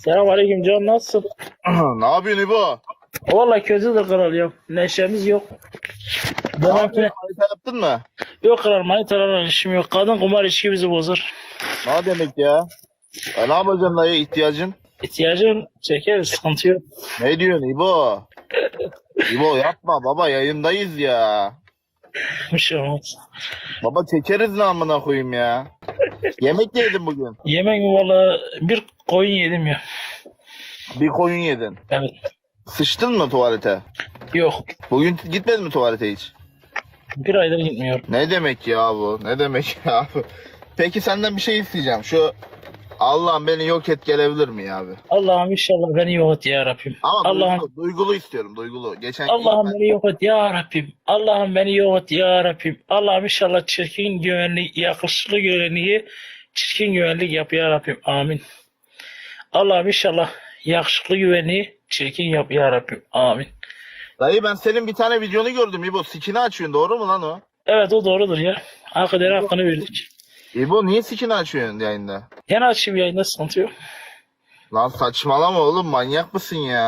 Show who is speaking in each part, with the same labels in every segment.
Speaker 1: Selamünaleyküm Can, nasılsın?
Speaker 2: Ne yapıyorsun İbo?
Speaker 1: Vallahi kötüdür kral ya. Neşemiz yok.
Speaker 2: Ne
Speaker 1: Demek
Speaker 2: yapıyorsun?
Speaker 1: ki
Speaker 2: Harita yaptın mı?
Speaker 1: yok kral, manitalarla işim yok. Kadın kumar içki bizi bozar.
Speaker 2: Ne demek ya? Ne yapacaksın dayı ihtiyacın?
Speaker 1: İhtiyacın çekeriz, sıkıntı yok.
Speaker 2: Ne diyorsun İbo? İbo yapma baba yayındayız ya.
Speaker 1: Bir şey olmaz.
Speaker 2: Baba çekeriz ne amına koyayım ya. Yemek yedin bugün.
Speaker 1: Yemek mi valla, bir koyun yedim ya.
Speaker 2: Bir koyun yedin.
Speaker 1: Evet.
Speaker 2: Sıçtın mı tuvalete?
Speaker 1: Yok.
Speaker 2: Bugün gitmedin mi tuvalete hiç?
Speaker 1: Bir aydır gitmiyorum.
Speaker 2: Ne demek ya bu? Ne demek ya bu? Peki senden bir şey isteyeceğim. Şu Allah'ım beni yok et gelebilir mi ya abi?
Speaker 1: Allah'ım inşallah beni yok et ya Rabbim.
Speaker 2: Ama
Speaker 1: Allah'ım
Speaker 2: duygulu istiyorum duygulu. Geçen
Speaker 1: Allah'ım beni yok et ya Rabbim. Allah'ım beni yok et ya Rabbim. Allah'ım inşallah çirkin güvenlik, yakışıklı güvenliği çirkin güvenlik yap ya Rabbim. Amin. Allah'ım inşallah yakışıklı güvenliği çirkin yap ya Rabbim. Amin.
Speaker 2: Dayı ben senin bir tane videonu gördüm İbo. Sikini açıyorsun doğru mu lan o?
Speaker 1: Evet, o doğrudur ya. Hakikaten hakkını verdik.
Speaker 2: İbo niye sikini açıyorsun yayında?
Speaker 1: Yine açayım, yayında sıkıntı yok.
Speaker 2: Lan saçmalama oğlum manyak mısın ya?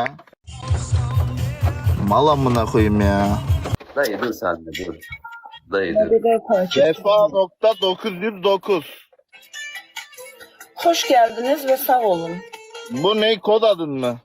Speaker 2: Mal amına koyayım ya.
Speaker 3: Dayı dur sen de dur. Dayı dur.
Speaker 2: Vefa.909.
Speaker 4: Hoş geldiniz ve sağ olun.
Speaker 2: Bu ne kod adın mı?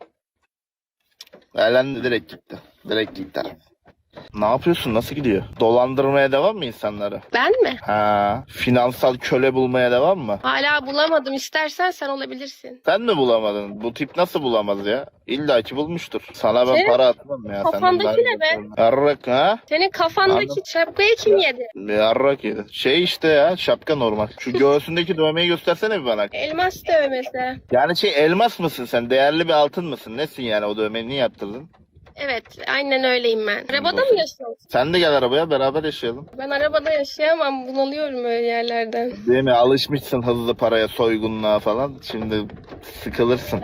Speaker 2: Elendi direkt gitti. Direkt gitti. Ne yapıyorsun? Nasıl gidiyor? Dolandırmaya devam mı insanları?
Speaker 5: Ben mi?
Speaker 2: Ha, finansal köle bulmaya devam mı?
Speaker 5: Hala bulamadım. İstersen sen olabilirsin.
Speaker 2: Sen mi bulamadın? Bu tip nasıl bulamaz ya? İlla ki bulmuştur. Sana ben
Speaker 5: Senin
Speaker 2: para atmam ya.
Speaker 5: kafandaki ne be?
Speaker 2: Yarrak ha?
Speaker 5: Senin kafandaki
Speaker 2: Anladım.
Speaker 5: şapkayı kim yedi?
Speaker 2: Yarrak yedi. Şey işte ya şapka normal. Şu göğsündeki dövmeyi göstersene bir bana.
Speaker 5: Elmas dövmesi.
Speaker 2: Yani elmas mısın sen? Değerli bir altın mısın? Nesin yani o dövmeyi niye yaptırdın?
Speaker 5: Evet, aynen öyleyim ben. Arabada mı yaşıyorsun?
Speaker 2: Sen de gel arabaya beraber yaşayalım.
Speaker 5: Ben arabada yaşayamam. Bunalıyorum öyle yerlerden.
Speaker 2: Değil mi? Alışmışsın hızlı paraya, soygunluğa falan. Şimdi sıkılırsın.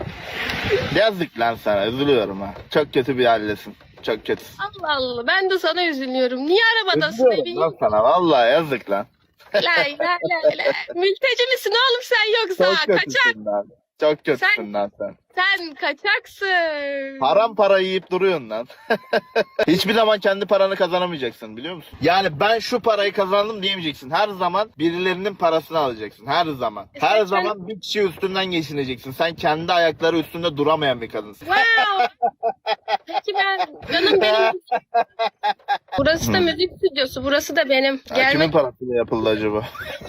Speaker 2: Yazık lan sana. Üzülüyorum ha. Çok kötü bir haldesin. Çok kötüsün.
Speaker 5: Allah Allah. Ben de sana üzülüyorum. Niye arabadasın
Speaker 2: Üzülüyorum
Speaker 5: evin?
Speaker 2: lan sana. Vallahi yazık lan.
Speaker 5: Lay lay lay lay. Mülteci misin oğlum sen yoksa?
Speaker 2: Çok
Speaker 5: Kaçak.
Speaker 2: kötüsün lan. Çok kötüsün lan sen.
Speaker 5: Sen kaçaksın.
Speaker 2: Haram para yiyip duruyorsun lan. Hiçbir zaman kendi paranı kazanamayacaksın biliyor musun? Yani ben şu parayı kazandım diyemeyeceksin. Her zaman birilerinin parasını alacaksın. Her zaman. Her
Speaker 5: sen-
Speaker 2: zaman bir kişi üstünden geçineceksin. Sen kendi ayakları üstünde duramayan bir kadınsın.
Speaker 5: Wow. Peki canım benim. Burası da müzik stüdyosu. Burası da benim.
Speaker 2: Ya kimin parasıyla yapıldı acaba?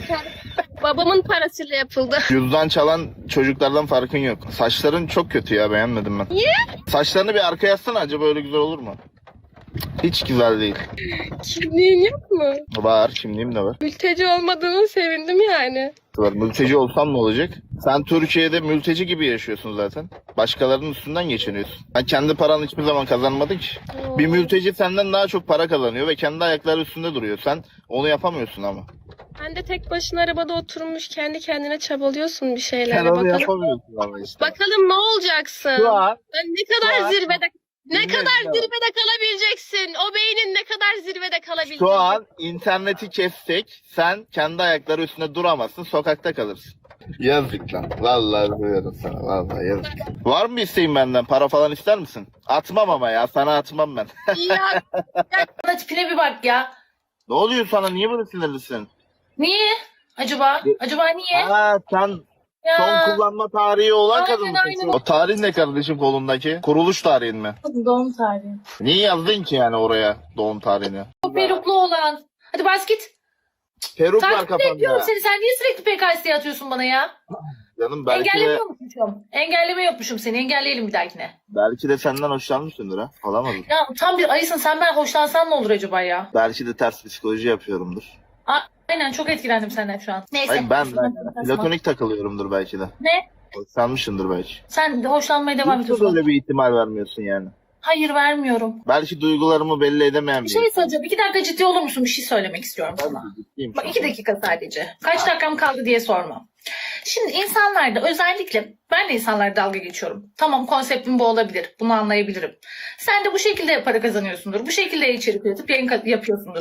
Speaker 5: Babamın parasıyla yapıldı.
Speaker 2: Cüzdan çalan çocuklardan farkın yok. Saçların çok kötü ya beğenmedim ben.
Speaker 5: Niye?
Speaker 2: Saçlarını bir arkaya yatsana acaba öyle güzel olur mu? Hiç güzel değil.
Speaker 5: Kimliğin yok mu?
Speaker 2: Var kimliğim de var.
Speaker 5: Mülteci olmadığını sevindim yani.
Speaker 2: Var. Mülteci olsam ne olacak? Sen Türkiye'de mülteci gibi yaşıyorsun zaten. Başkalarının üstünden geçiniyorsun. Sen kendi paranı hiçbir zaman kazanmadın ki. Bir mülteci senden daha çok para kazanıyor ve kendi ayakları üstünde duruyor. Sen onu yapamıyorsun ama.
Speaker 5: Sen de tek başına arabada oturmuş kendi kendine çabalıyorsun bir
Speaker 2: Sen
Speaker 5: şeylerle.
Speaker 2: onu
Speaker 5: Bakalım,
Speaker 2: yapamıyorsun ama işte.
Speaker 5: bakalım ne olacaksın?
Speaker 2: Şu an
Speaker 5: Sen ne kadar
Speaker 2: şu an-
Speaker 5: zirvede
Speaker 2: Dinle.
Speaker 5: zirvede kalabileceksin? O beynin ne kadar zirvede kalabilecek?
Speaker 2: Şu an interneti kessek sen kendi ayakları üstünde duramazsın, sokakta kalırsın. Yazık lan. Vallahi üzülüyorum sana. Vallahi yazık. Var mı bir isteğin benden? Para falan ister misin? Atmam ama ya. Sana atmam ben.
Speaker 5: Ya,
Speaker 4: Bana tipine bir bak ya.
Speaker 2: Ne oluyor sana? Niye böyle sinirlisin?
Speaker 4: Niye? Acaba niye?
Speaker 2: Aa sen
Speaker 4: Ya.
Speaker 2: son kullanma tarihi olan
Speaker 4: Aynen,
Speaker 2: kadın mısın?
Speaker 4: aynen.
Speaker 2: O tarih ne kardeşim kolundaki? Kuruluş tarihin mi?
Speaker 4: Doğum tarihi.
Speaker 2: Niye yazdın ki yani oraya doğum tarihini?
Speaker 4: O peruklu olan. Hadi bas git.
Speaker 2: Peruk var
Speaker 4: Takip ediyorum
Speaker 2: kafanda.
Speaker 4: seni. Sen niye sürekli PKS'ye atıyorsun bana ya?
Speaker 2: Canım belki de,
Speaker 4: Engellemiyormuşum. Engelleme yokmuşum seni. Engelleyelim bir dahakine.
Speaker 2: belki de senden hoşlanmışsındır ha. Olamaz.
Speaker 4: Ya tam bir ayısın. Sen ben hoşlansan ne olur acaba ya?
Speaker 2: Belki de ters psikoloji yapıyorumdur.
Speaker 4: Aynen çok etkilendim senden şu an. Neyse.
Speaker 2: Hayır ben
Speaker 4: Şuradan
Speaker 2: platonik takılıyorumdur belki de.
Speaker 4: Ne?
Speaker 2: Hoşlanmışsındır belki.
Speaker 4: Sen de hoşlanmaya devam
Speaker 2: Nasıl
Speaker 4: ediyorsun.
Speaker 2: böyle bir ihtimal vermiyorsun yani?
Speaker 4: Hayır vermiyorum.
Speaker 2: Belki duygularımı belli edemeyen
Speaker 4: Bir
Speaker 2: bir
Speaker 4: şey söyleyeceğim. 2 dakika ciddi olur musun? Bir şey söylemek istiyorum
Speaker 2: insan.
Speaker 4: sana.
Speaker 2: Ciddiyim
Speaker 4: Bak
Speaker 2: şu
Speaker 4: 2
Speaker 2: an.
Speaker 4: dakika sadece. Kaç dakikam kaldı diye sorma. Şimdi insanlarda özellikle ben de insanlara dalga geçiyorum. Tamam konseptim bu olabilir. Bunu anlayabilirim. Sen de bu şekilde para kazanıyorsundur. Bu şekilde içerik üretip yayın yapıyorsundur.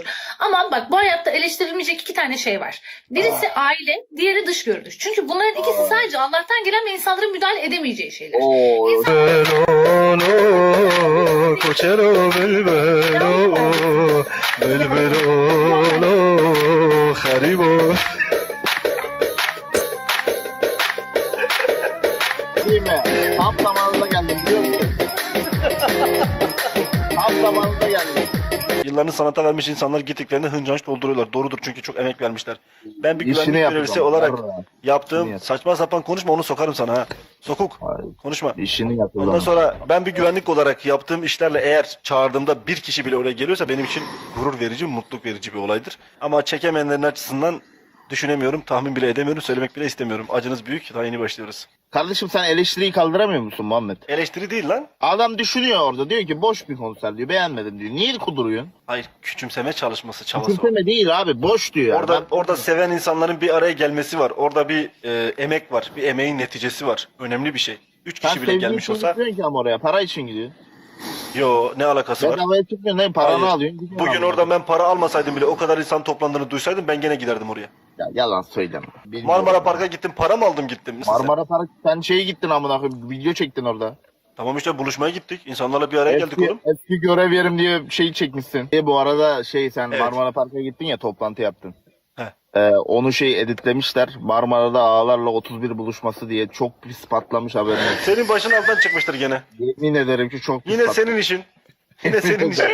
Speaker 4: Ama bak bu hayatta eleştirilmeyecek iki tane şey var. Birisi aile, diğeri dış görünüş. Çünkü bunların ikisi sadece Allah'tan gelen ve insanların müdahale edemeyeceği şeyler.
Speaker 2: Oo. Değil mi? Tam zamanında geldim biliyor musun? Tam zamanında geldim.
Speaker 6: Yıllarını sanata vermiş insanlar gittiklerinde hıncanç dolduruyorlar. Doğrudur çünkü çok emek vermişler. Ben bir
Speaker 2: İşini
Speaker 6: güvenlik görevlisi olarak
Speaker 2: İşini
Speaker 6: yaptığım
Speaker 2: yap.
Speaker 6: saçma sapan konuşma, onu sokarım sana ha. Sokuk.
Speaker 2: Hayır.
Speaker 6: Konuşma.
Speaker 2: yapıyor.
Speaker 6: Ondan sonra ben bir güvenlik olarak yaptığım işlerle eğer çağırdığımda bir kişi bile oraya geliyorsa benim için gurur verici, mutluluk verici bir olaydır. Ama çekemeyenlerin açısından düşünemiyorum, tahmin bile edemiyorum, söylemek bile istemiyorum. Acınız büyük, daha yeni başlıyoruz.
Speaker 2: Kardeşim sen eleştiriyi kaldıramıyor musun Muhammed?
Speaker 6: Eleştiri değil lan.
Speaker 2: Adam düşünüyor orada diyor ki boş bir konser diyor beğenmedim diyor. Niye kuduruyorsun?
Speaker 6: Hayır, küçümseme çalışması, çabası var.
Speaker 2: Küçümseme değil abi boş diyor.
Speaker 6: Orada seven insanların bir araya gelmesi var. Orada bir emek var. Bir emeğin neticesi var. Önemli bir şey. 3
Speaker 2: sen
Speaker 6: kişi bile gelmiş olsa.
Speaker 2: gitmiyorsun ki ama oraya para için gidiyor.
Speaker 6: Yo, ne alakası var?
Speaker 2: Bedavaya çıkmıyor ne paranı
Speaker 6: Hayır.
Speaker 2: alıyorsun. gidiyorsun
Speaker 6: Bugün
Speaker 2: abi.
Speaker 6: orada ben para almasaydım bile o kadar insan toplandığını duysaydım ben gene giderdim oraya.
Speaker 2: Ya, yalan söyleme. Bilmiyorum.
Speaker 6: Marmara Park'a gittim, para mı aldım gittim.
Speaker 2: Marmara Park sen şeye gittin amına koyayım video çektin orada.
Speaker 6: Tamam işte buluşmaya gittik. İnsanlarla bir araya geldik oğlum.
Speaker 2: Eski görev yerim diye şey çekmişsin. Bu arada sen
Speaker 6: Evet.
Speaker 2: Marmara Park'a gittin ya toplantı yaptın.
Speaker 6: He.
Speaker 2: Onu editlemişler. Marmara'da ağalarla 31 buluşması diye çok pis patlamış haberin olsun.
Speaker 6: Senin başın altından çıkmıştır gene.
Speaker 2: Yemin ederim ki çok pis
Speaker 6: Yine
Speaker 2: patlamış.
Speaker 6: senin işin. Yine senin işin.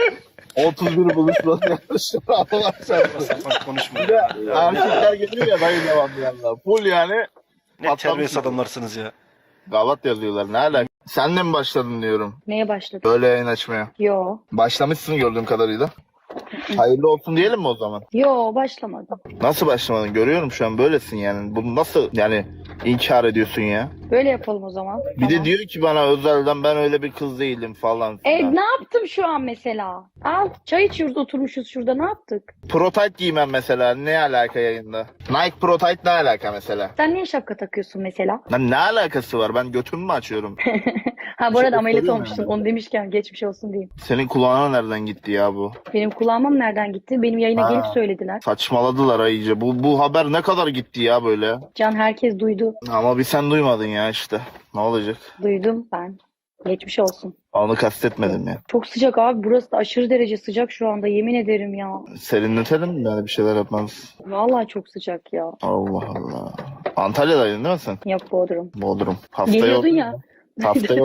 Speaker 2: 31 buluşması yapmışlar. Allah çarpsın.
Speaker 6: Sapan konuşma.
Speaker 2: Bir de erkekler geliyor ya dayı devamlı yanına. Full yani.
Speaker 6: Ne terbiyesiz adamlarsınız ya.
Speaker 2: Gavat yazıyorlar ne alaka. Sen de mi başladın diyorum.
Speaker 7: Neye başladın?
Speaker 2: Böyle yayın açmaya.
Speaker 7: Yo.
Speaker 2: Başlamışsın gördüğüm kadarıyla. Hayırlı olsun diyelim mi o zaman?
Speaker 7: Yo başlamadım.
Speaker 2: Nasıl başlamadın? Görüyorum şu an böylesin yani. Bunu nasıl inkar ediyorsun ya?
Speaker 7: Böyle yapalım o zaman.
Speaker 2: Bir de diyor ki bana özelden ben öyle bir kız değilim falan filan.
Speaker 7: Ne yaptım şu an mesela? Al çay içiyoruz oturmuşuz şurada ne yaptık?
Speaker 2: Prototype giymem mesela. Ne alaka yayında? Nike Prototype ne alaka mesela?
Speaker 7: Sen niye şapka takıyorsun mesela?
Speaker 2: Lan ne alakası var? Ben götümü mü açıyorum?
Speaker 7: Ha bu arada
Speaker 2: Şey,
Speaker 7: ameliyat
Speaker 2: soruyorum
Speaker 7: olmuştun.
Speaker 2: yani.
Speaker 7: Onu demişken geçmiş olsun diyeyim.
Speaker 2: Senin kulağına nereden gitti ya bu?
Speaker 7: Benim kulağıma nereden gitti? Benim yayına
Speaker 2: Ha.
Speaker 7: gelip söylediler.
Speaker 2: Saçmaladılar ha iyice. Bu haber ne kadar gitti ya böyle?
Speaker 7: Can herkes duydu.
Speaker 2: Ama bir sen duymadın ya işte. Ne olacak?
Speaker 7: Duydum ben. Geçmiş olsun.
Speaker 2: Onu kastetmedim ya.
Speaker 7: Çok sıcak abi. Burası da aşırı derece sıcak şu anda. Yemin ederim ya.
Speaker 2: Serinletelim mi yani bir şeyler yapmamız?
Speaker 7: Vallahi çok sıcak ya.
Speaker 2: Allah Allah. Antalya'daydın değil mi sen?
Speaker 7: Yok Bodrum.
Speaker 2: Bodrum. Haftaya
Speaker 7: Geliyordun ya.
Speaker 2: Haftaya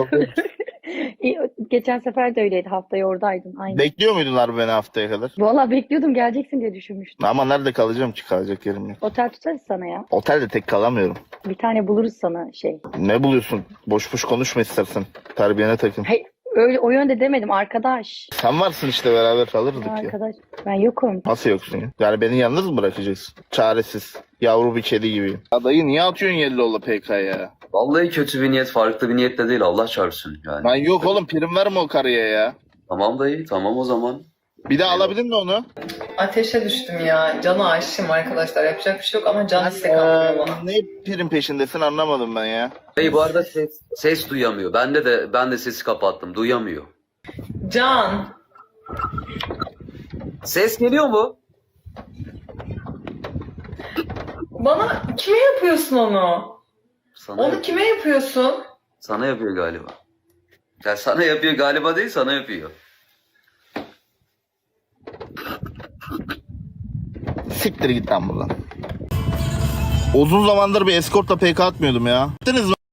Speaker 7: Geçen sefer de öyleydi. Haftaya oradaydın. Aynen.
Speaker 2: Bekliyor muydun abi beni haftaya kadar?
Speaker 7: Vallahi bekliyordum geleceksin diye düşünmüştüm.
Speaker 2: Ama nerede kalacağım ki kalacak yerim yok.
Speaker 7: Otel tutarız sana ya.
Speaker 2: Otelde tek kalamıyorum.
Speaker 7: Bir tane buluruz sana şey.
Speaker 2: Ne buluyorsun? Boş boş konuşma istersen. Terbiyene takın.
Speaker 7: Hey, öyle o yönde demedim arkadaş.
Speaker 2: Sen varsın işte beraber kalırdık ya.
Speaker 7: Arkadaş. Ben yokum.
Speaker 2: Nasıl yoksun ya? Yani beni yalnız mı bırakacaksın? Çaresiz. Yavru bir kedi gibi. Ya dayı niye atıyorsun Yellow'la PK ya?
Speaker 3: Vallahi kötü bir niyet, farklı bir niyetle değil, Allah çarpsın yani.
Speaker 2: Lan yok oğlum prim verme o karıya ya.
Speaker 3: Tamam dayı, tamam o zaman.
Speaker 2: Bir daha alabilir mi onu?
Speaker 8: Ateşe düştüm ya. Can'a aşığım arkadaşlar. Yapacak bir şey yok ama can istek atmıyor bana.
Speaker 2: Ne prim peşindesin anlamadım ben ya.
Speaker 3: Dayı bu arada ses duyamıyor. Ben de sesi kapattım, duyamıyor.
Speaker 8: Can.
Speaker 3: Ses geliyor mu?
Speaker 8: Bana kime yapıyorsun onu?
Speaker 3: Sana,
Speaker 8: Onu kime yapıyorsun?
Speaker 3: sana yapıyor galiba. Ya sana yapıyor galiba değil, sana yapıyor.
Speaker 2: Siktir git lan buradan. Uzun zamandır bir eskortla PK atmıyordum ya. Gittiniz mi?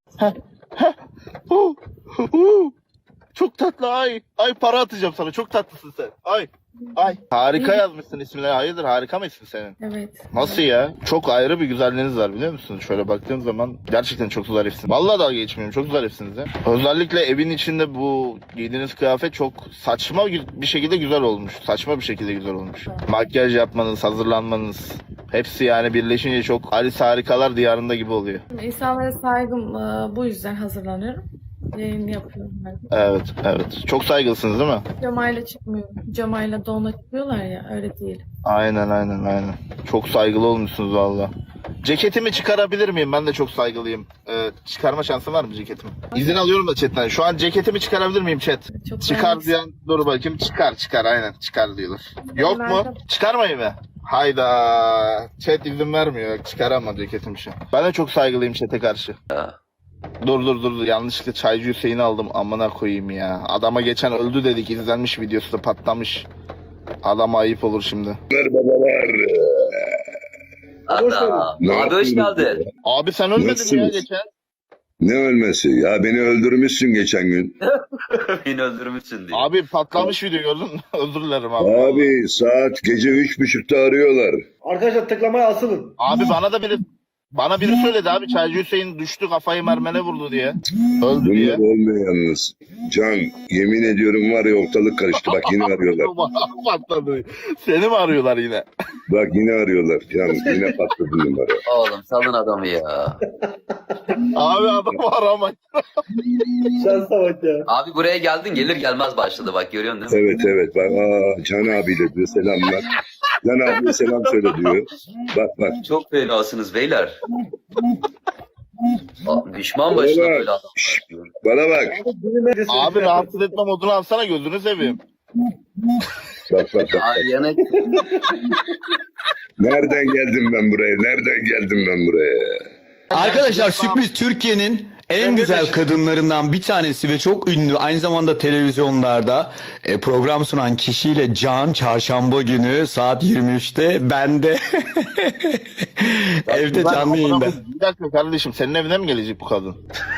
Speaker 2: Çok tatlı ay. Ay para atacağım sana. Çok tatlısın sen. Ay. Ay. Harika yazmışsın ismini. Hayırdır harika mı ismin senin?
Speaker 8: Evet.
Speaker 2: Nasıl ya? Çok ayrı bir güzelliğiniz var biliyor musun? Şöyle baktığım zaman gerçekten çok zarifsiniz. Vallahi dalga geçmiyorum. Çok zarifsiniz ya. Özellikle evin içinde bu giydiğiniz kıyafet çok saçma bir şekilde güzel olmuş. Saçma bir şekilde güzel olmuş. Makyaj yapmanız, hazırlanmanız hepsi yani birleşince çok Alice Harikalar Diyarında gibi oluyor.
Speaker 9: İnsanlara saygım bu yüzden hazırlanıyorum. Yayını yapıyorum ben.
Speaker 2: Evet, evet. Çok saygılısınız değil mi?
Speaker 9: Camayla çıkmıyorum. Camayla donla çıkıyorlar ya öyle değil.
Speaker 2: Aynen. Çok saygılı olmuşsunuz valla. Ceketimi çıkarabilir miyim? Ben de çok saygılıyım. Çıkarma şansı var mı ceketimi? İzin alıyorum da chatten. Şu an ceketimi çıkarabilir miyim chat?
Speaker 9: Çok
Speaker 2: Çıkar
Speaker 9: beğendim.
Speaker 2: diyen dur bakayım. Çıkar aynen çıkar diyorlar. Yok mu? Çıkarmayayım mı? Hayda. Chat izin vermiyor. Çıkaramam ceketimi şu an. Ben de çok saygılıyım chat'e karşı. Dur. Yanlışlıkla Çaycı Hüseyin'i aldım. Amına koyayım ya. Adama geçen öldü dedik. İzlenmiş videosu da patlamış. Adama ayıp olur şimdi.
Speaker 3: Adam. Abi hoş geldin.
Speaker 2: Abi sen ölmedin mi ya geçen?
Speaker 10: Ne ölmesi? Ya beni öldürmüşsün geçen gün.
Speaker 3: Beni öldürmüşsün diye.
Speaker 2: Abi patlamış video gördün mü? Özür dilerim abi.
Speaker 10: Abi saat gece 3.30'da arıyorlar.
Speaker 6: Arkadaşlar tıklamaya asılın.
Speaker 2: Abi bana biri söyledi abi Çaycı Hüseyin düştü kafayı mermene vurdu diye. Öldü diye.
Speaker 10: Bunlar olmuyor yalnız. Can yemin ediyorum var ya ortalık karıştı. Bak yine arıyorlar.
Speaker 2: Patladı. Seni mi arıyorlar yine?
Speaker 10: Bak yine arıyorlar. Can yine patladı numara.
Speaker 3: Oğlum salın adamı ya.
Speaker 2: Abi adam aramayın.
Speaker 6: Şansa bak ya.
Speaker 3: Abi buraya geldin gelir gelmez başladı bak görüyorsun değil mi?
Speaker 10: Evet. Bak Can abi de diyor selamlar. Can abiye selam söyle diyor. Bak.
Speaker 3: Çok fenasınız beyler. Düşman başına
Speaker 10: Beyler,
Speaker 3: böyle adam.
Speaker 10: şşş, bana bak.
Speaker 2: Abi rahatsız etme modunu alsana gözünü seveyim.
Speaker 10: Bak.
Speaker 3: Abi yanak.
Speaker 10: Nereden geldim ben buraya?
Speaker 11: Arkadaşlar sürpriz Türkiye'nin en güzel kadınlarından bir tanesi ve çok ünlü aynı zamanda televizyonlarda program sunan kişiyle Can çarşamba günü saat 23'te bende evde canlı yayında.
Speaker 2: Bir dakika kardeşim senin evine mi gelecek bu kadın?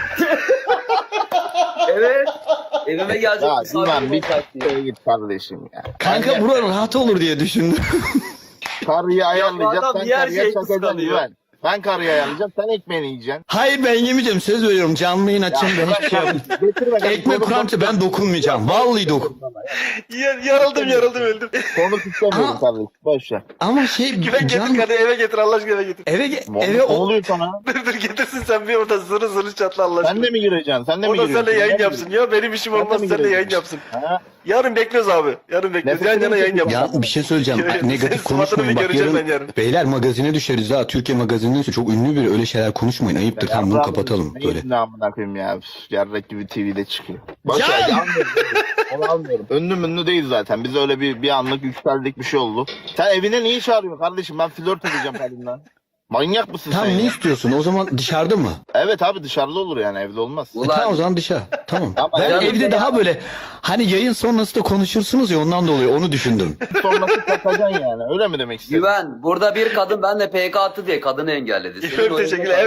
Speaker 3: Evet. Evime gelecek.
Speaker 2: Ya
Speaker 3: bir saat
Speaker 2: İvan bir
Speaker 3: olacak diye.
Speaker 2: dakikaya git kardeşim ya.
Speaker 11: Kanka bura rahat olur diye düşündüm.
Speaker 2: Karıyı ayarlayacağız
Speaker 3: adam
Speaker 2: sen
Speaker 3: diğer
Speaker 2: karıya
Speaker 3: şey
Speaker 2: çakacaksın
Speaker 3: kıskanıyor.
Speaker 2: İvan. Ben karıyı ayarlayacağım sen ekmeğini yiyeceksin.
Speaker 11: Hayır ben yemeyeceğim söz veriyorum canlı yayın açacağım ben hiçbir şey yapmayacağım.
Speaker 2: Getir bakalım.
Speaker 11: Ekmek kurança ben dokunmayacağım. Vallahi
Speaker 6: Yarıldım öldüm.
Speaker 2: Konu istemiyorum
Speaker 11: Ama-
Speaker 2: kardeşim. Boş ver.
Speaker 11: Ama şey Can
Speaker 6: eve getir Allah aşkına eve getir.
Speaker 11: eve
Speaker 2: Ne
Speaker 11: o
Speaker 2: oluyor sana?
Speaker 6: Dur getirsin sen bir orada zırı çatla Allah
Speaker 2: Sen de mi gireceksin? Sen de mi
Speaker 6: O da
Speaker 2: gireceksin?
Speaker 6: seninle yayın
Speaker 2: Sen de mi
Speaker 6: yapsın ya benim işim
Speaker 2: Sen de
Speaker 6: olmaz
Speaker 2: mi
Speaker 6: seninle yayın
Speaker 2: gireceksin?
Speaker 6: yapsın.
Speaker 2: Ha?
Speaker 6: Yarın bekliyoruz abi. Yarın bekliyoruz.
Speaker 2: Nefret
Speaker 6: Yan yana yayın
Speaker 2: ediyorum.
Speaker 6: yapalım.
Speaker 11: Ya bir şey söyleyeceğim.
Speaker 6: Evet,
Speaker 11: Negatif
Speaker 6: senin sıfatını
Speaker 11: konuşmayın.
Speaker 6: bir
Speaker 11: Bak
Speaker 6: göreceğim
Speaker 11: yarın,
Speaker 6: ben yarın.
Speaker 11: beyler magazine düşeriz ha. Türkiye magazinindeyse çok ünlü biri. Öyle şeyler konuşmayın. Ayıptır. Tamam bunu kapatalım. Böyle.
Speaker 2: Ne amına koyayım ya. Yarrak gibi TV'de çıkıyor. Boş ver. Almıyorum. Onu almıyorum. Ünlü değil zaten. Biz öyle bir anlık yükseldik bir şey oldu. Sen evine niye çağırıyorsun kardeşim? Ben flört edeceğim kadınla. Manyak mısın
Speaker 11: Tamam
Speaker 2: sen
Speaker 11: ne
Speaker 2: ya?
Speaker 11: istiyorsun? O zaman dışarıda mı?
Speaker 2: Evet abi dışarıda olur yani evde olmaz.
Speaker 11: Tamam o zaman dışarı. Tamam.
Speaker 2: Ama
Speaker 11: Ben
Speaker 2: canım
Speaker 11: evde
Speaker 2: ya.
Speaker 11: daha böyle hani yayın sonrası da konuşursunuz ya ondan dolayı onu düşündüm.
Speaker 2: Sonrası takacaksın yani. Öyle mi demek istiyorsun?
Speaker 3: Güven burada bir kadın benle PK attı diye kadını engelledi. Senin
Speaker 6: Çok
Speaker 3: oyunun-
Speaker 6: teşekkürler.